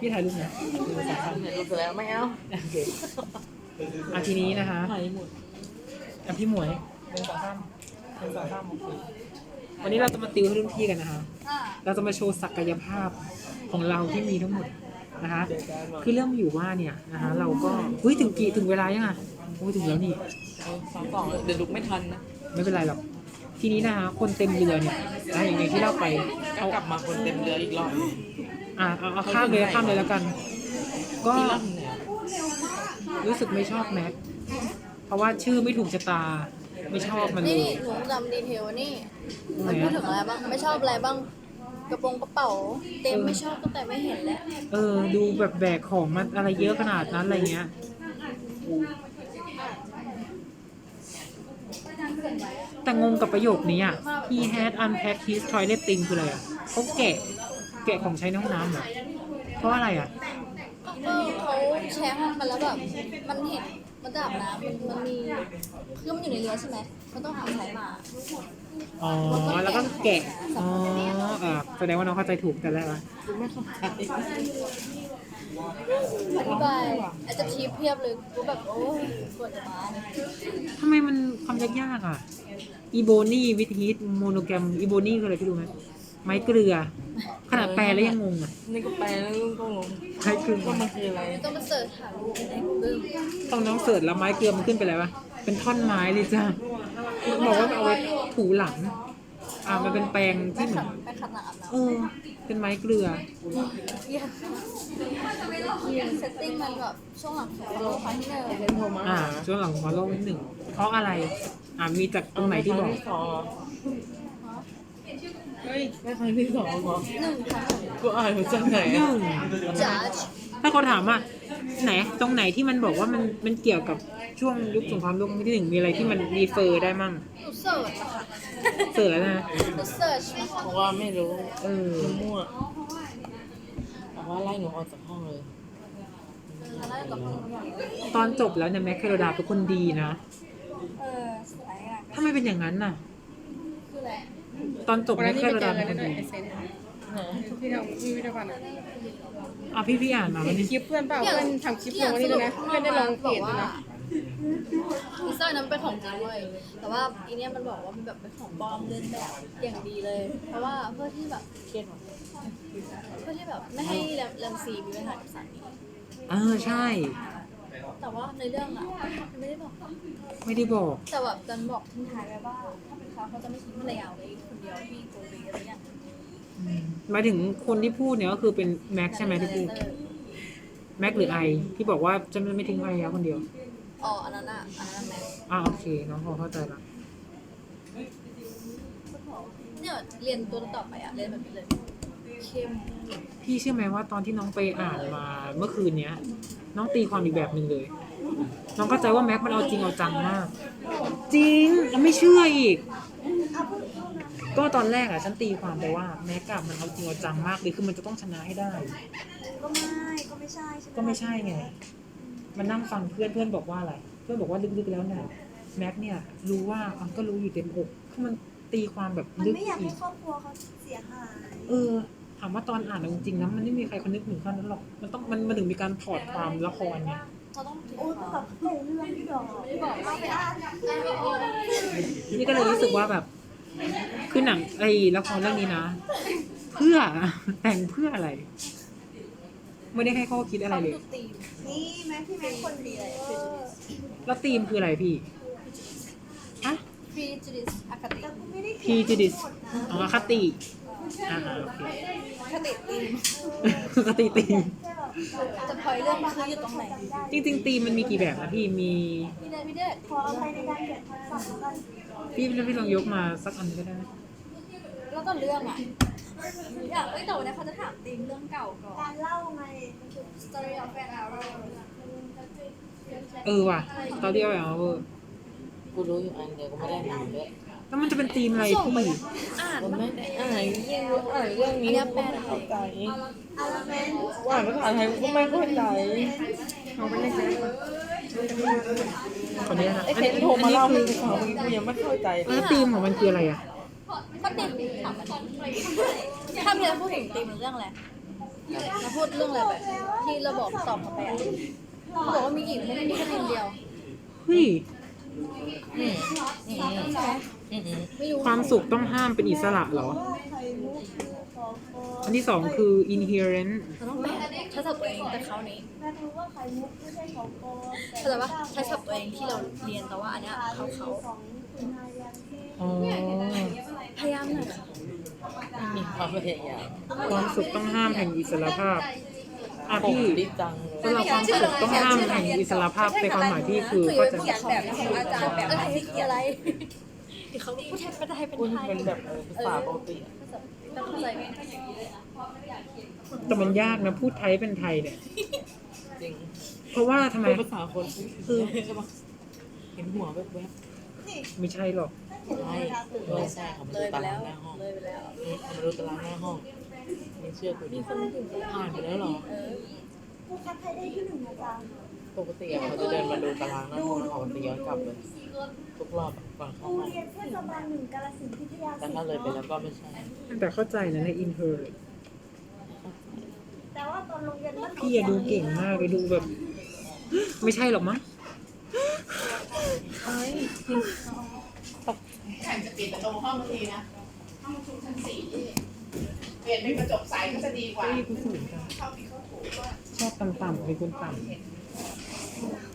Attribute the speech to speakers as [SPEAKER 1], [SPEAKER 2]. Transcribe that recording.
[SPEAKER 1] พี่ถ่ายรูปนะ
[SPEAKER 2] ถ่ายรูปเสร็จแล้วไม่เอา
[SPEAKER 1] โอเคทีนี้นะคะ
[SPEAKER 2] ถ่ายหมด
[SPEAKER 1] พี่หมวยวันนี้เราจะมาติวให้รุ่นพี่กันนะคะเราจะมาโชว์ศักยภาพของเราที่มีทั้งหมดนะคะคือเรื่องอยู่ว่าเนี่ยนะคะเราก็ถึงเวลายังอ่ะถึงแล้วนี่
[SPEAKER 2] 2 เดี๋ยวลุกไม่ทันนะ
[SPEAKER 1] ไม่เป็นไรหรอกทีนี้นะคะคนเต็มเรือเนี่ยอย่างที่เล่าไป
[SPEAKER 2] เอากลับมาคนเต็มเรืออีกรอบ
[SPEAKER 1] เอาข้ามเลยแล้วกันก็รู้สึกไม่ชอบแม็กเพราะว่าชื่อไม่ถูกชะตาไม่ชอบมันเลย
[SPEAKER 3] นี่หนูจำดีเทลนี่มันพูดถึงอะไรบ้างไม่ชอบอะไรบ้างกระเป๋าเต็มไม่ชอบตั้งแต่ไม่เห็นแล้ว
[SPEAKER 1] ดูแบบแบกของมันอะไรเยอะขนาดนั้นอะไรเงี้ยแต่งงกับประโยคนี้อ่ะ he had unpacked his toilet thing คืออะไรอ่ะเขาแกะของใช้ในห้องน้ำเหรอเพราะอะไรอ่ะ
[SPEAKER 3] เขาแชร์ห้องกันแล้วแบบมันเห็นมันจะอาบน้ำมันมีคือมันอยู่ในเรือใช่ไหมมันต้องหาใช้มา
[SPEAKER 1] แล้วก็แกะแสดงว่าน้องเข้าใจถูกแต่แรกวะ
[SPEAKER 2] ไม่เข้าใจ
[SPEAKER 3] อธิบายอาจจะทีเพียบเลยกูแบบโอ้ปวดมา
[SPEAKER 1] ทำไมมันคำยากๆอ่ะอีโบนี่วิธีโมโนแกรมอีโบนี่คืออะไรพี่รู้ไหมไม้เกลือขนาดแปลแล้วยังงงอ่ะ
[SPEAKER 2] นี่ก็แปลแล้วก็งง
[SPEAKER 1] ไม้เกลือ
[SPEAKER 2] มันคืออะไร
[SPEAKER 3] ต้องมาเสิร์ชหารูปในGoogle
[SPEAKER 1] ต้องน้องเสิร์ชแล้วไม้เกลือมันขึ้นไปแล้ววะเป็นท่อนไม้เลยจ้าบอกว่าเอาไว้ถูหลังมันเป็นแปรงที่เหมือนเป็นไม้เกลือ
[SPEAKER 3] เซตติ้งมันแบบช่วงหลังของโลกครั้งที่1
[SPEAKER 2] เป็นโทรมา
[SPEAKER 1] ช่วงหลังของโลกนิดหนึ่งเพราะอะไรมีจากตรงไหนที่บอก
[SPEAKER 2] เฮ้ยไม่ครั้งที่2หรอ
[SPEAKER 3] 1ครั้ง
[SPEAKER 2] กูอ่านมาจากไหน
[SPEAKER 3] Judge
[SPEAKER 1] ถ้าเขาถามว่าไหนตรงไหนที่มันบอกว่ามันเกี่ยวกับช่วงยุคสงครามโลกครั้งที่1มีอะไรที่มันรีเฟอร์ได้มั่ง
[SPEAKER 3] เสิร์ชค่ะ
[SPEAKER 1] เสิร์ชแล้วนะ
[SPEAKER 3] เสิร์ช
[SPEAKER 2] เพราะว่าไม่รู้มั่วแต่ว่าไล่หนูออกจากห้องเลย
[SPEAKER 1] ตอนจบแล้วเนี่ยแม็กเคโรดาเป็นคนดีนะ
[SPEAKER 3] สวยอ่ะ
[SPEAKER 1] ทำไมเป็นอย่างนั้นน่ะ
[SPEAKER 3] คืออะไร
[SPEAKER 1] ตอนจบแม็กเคโรดาเป็นคนดี
[SPEAKER 2] พี่ทำพิพิธภัณฑ์
[SPEAKER 1] พี่อ่านมาวันนี้
[SPEAKER 2] คลิปเพื่อนเปล่าเพื่อนทำคลิปลงวันนี้นะเพื่อนได้ลงเพจนะ
[SPEAKER 3] พิซซ่านั้นเป็นของจริงเลยแต่ว่าอีเนี้ยมันบอกว่ามันแบบเป็นของปลอมเลียนแบบอย่างดีเลยเพราะว่าเพื่อที่แบบ
[SPEAKER 2] เครียด
[SPEAKER 3] เพื่อที่แบบไม่ให้แรมซีมีปัญหากับสามี
[SPEAKER 1] ใช่
[SPEAKER 3] แต่ว่าในเรื่องไม่ได้บอกแต่แบบจันบอกทิ้งท้ายไว้ว่าถ้าเป็นเขาจะไม่ทิ้งภรรยาไว้คนเดียวที่โกเบอะไรอย่าง
[SPEAKER 1] หมายถึงคนที่พูดเนี่ยก็คือเป็นแม็กใช่ไหมที่พูดแม็กหรือไอที่บอกว่าจะไม่ทิ้งภรรยาคนเดียว
[SPEAKER 3] อันนั้นแม็ก
[SPEAKER 1] โอเคน้องพอเข้าใจละ
[SPEAKER 3] เนี่ยเรียนตัวต่อไปเรียนแบบนี้เลยเข้ม
[SPEAKER 1] พี่เชื่อไหมว่าตอนที่น้องไปอ่านมาเมื่อคืนเนี้ยน้องตีความอีกแบบหนึ่งเลยน้องเข้าใจว่าแม็กมันเอาจริงเอาจังมากจริงแล้วไม่เชื่ออีกก็ตอนแรกฉันตีความไปว่าแม็กมันเอาจริงเอาจังมากเลยคือมันจะต้องชนะให้ได้
[SPEAKER 3] ก็ไม่ใช่
[SPEAKER 1] ก็ไม่ใช่ไงมันนั่งฟังเพื่อนบอกว่าอะไรเพื่อนบอกว่าลึกๆแล้วเนี่ยแม็กเนี่ยรู้ว่าก็รู้อยู่เต็มอกคือมันตีความแบบลึกอีก
[SPEAKER 3] ไม่อยากให้ครอบครัวเขาเสียหาย
[SPEAKER 1] ถามว่าตอนอ่านจริงๆนะมันไม่มีใครคนนึกถึงขั้นนั้นหรอกมันถึงมีการถอดความละครไง
[SPEAKER 3] กับเรื่องที่บอกไม่บอกเราไปอ่าน
[SPEAKER 1] นี่ก็เลยรู้สึกว่าแบบคือหนังละครเรื่องนี้นะเพื่อแต่งเพื่ออะไรไม่ได้ให้ข้อคิดอะไรเลย
[SPEAKER 3] นี่แม่พี่แม่คนดีเลย
[SPEAKER 1] แล้วธีมคืออะไรพี่
[SPEAKER 3] พีจูดิสอคติ
[SPEAKER 1] พีจูดิสคติโอเค
[SPEAKER 3] คติธีมจะพอยเรื่องคืออยู่ตรงไหน
[SPEAKER 1] จริงๆธีมมันมีกี่แบบนะพี่มี
[SPEAKER 3] พี่เด็กขอเอาไปในการเขียนคำสั่งกัน
[SPEAKER 1] พี่ลองยกมาสักอันก็ได้
[SPEAKER 3] แล้วก็เรื่องแต่วันนี้เขาจะถามธีมเรื่องเก่าก่อนการเล่าไง Story of an Hour
[SPEAKER 1] ว่ะ Story of an Hour
[SPEAKER 2] กูรู้อยู่อันเดียวก็ไม่ได้อ่านด้วย
[SPEAKER 1] แล้วมันจะเป็นธีมอะไรพี่
[SPEAKER 2] มันไม่ได้อ่านเรื่องนี้
[SPEAKER 3] แปลเข้าใจ
[SPEAKER 2] ว่าภาษาไทยก็ไม่เข้าใจ
[SPEAKER 1] เขาไม่ได้ใช้คนนี้นะ
[SPEAKER 2] ไอ้เซนโทรมาเล่าให้ฟังกูยังไม่เข้าใจ
[SPEAKER 1] แล้วธีมของมันคืออะไร
[SPEAKER 3] ก็ตีมถามมันถ้ามีอะไรพูดถึงตีมเรื่องอะไรเราพูดเรื่องอะไรไปที่เราบอกตอบเขาไปอ่ะเขาบอกว่ามีอีกไม่ได้มีแค่คนเดียว
[SPEAKER 1] เฮ้ย
[SPEAKER 2] อืมอืม
[SPEAKER 3] ใช่ไหม
[SPEAKER 2] อืมอืม
[SPEAKER 3] ไม่รู้
[SPEAKER 1] ความสุขต้องห้ามเป็นอิสระเหรอ อันที่สองคือ inherent
[SPEAKER 3] เราต้องแบบใช้ศัพท์ตัวเองแต่เขานี้เข้าใจปะใช้ศัพท์ตัวเองที่เราเรียนแต่ว่าอันเนี้ยเขา
[SPEAKER 1] อ๋อ
[SPEAKER 3] พยายามหน่อยค่ะ
[SPEAKER 2] มีความพยายาม
[SPEAKER 1] ความสุขต้องห้ามแห่งอิสรภาพอ่ะ
[SPEAKER 2] ผม
[SPEAKER 1] พี่
[SPEAKER 2] ดีจังเลย
[SPEAKER 1] สำหรับความสุขต้องห้ามแห่งอิสรภาพในความหมายพี่คือก็จะ
[SPEAKER 3] เขียนแบบของอาจารย์แบบอะไรอะไรเขาพูดไทยเป็นไทยเป็น
[SPEAKER 2] คุณ
[SPEAKER 3] ไทย
[SPEAKER 2] เป็นแบบภาษาปกติ
[SPEAKER 3] ต้องเข้าใจไหม
[SPEAKER 1] แต่มันยากนะพูดไทยเป็นไทยเนี่ย
[SPEAKER 2] จริง
[SPEAKER 1] เพราะว่าทำไม
[SPEAKER 2] เป็นภาษาคนคือใช่ปะเห็นหัวแวบ
[SPEAKER 1] ไม่ใช่หรอก
[SPEAKER 2] ๆใช่เลยใช่เขามา
[SPEAKER 3] เล
[SPEAKER 2] ดู
[SPEAKER 3] ยไป
[SPEAKER 2] ตาราง
[SPEAKER 3] แล้ว
[SPEAKER 2] หน้าห้อง
[SPEAKER 3] เลยไปแล้ว
[SPEAKER 2] เขามาดูตารางหน้าห้องไม่เชื่อกูดิผ่านไปแล้วเหรอ
[SPEAKER 4] ผู้คัดไทยได้ที่หนึ่งนะจ๊ะ
[SPEAKER 2] ปกติเขาจะเดินมาดูตารางหน้าห้องแล้วเขาจะย้อนกลับเลยทุกรอบก่อนเข้า
[SPEAKER 4] โรง
[SPEAKER 2] ห้อง
[SPEAKER 4] เรียนเทศบาลหนึ่งกาฬสินธุ์พิทยา
[SPEAKER 2] แต่ถ้าเลยไปแล้วก็ไม่ใช่
[SPEAKER 1] แต่เข้าใจนะใน inherent
[SPEAKER 4] แต่ว่าตอนโรงเรียนมัน
[SPEAKER 1] พี่อะดูเก่งมากเลยดูแบบ ไม่ใช่หรอกมั้ง
[SPEAKER 5] ใครจะปิดประตูห้องทีนะ ห้องประชุมชั้น4เปลี่ยนเป็นกระจกใสก็จะดีกว่า
[SPEAKER 1] เฮ้ยกูสูงจัง
[SPEAKER 5] เข้าผิดเข้าถูกว่า
[SPEAKER 1] ชอบต่ำๆเป็นคนต่ำ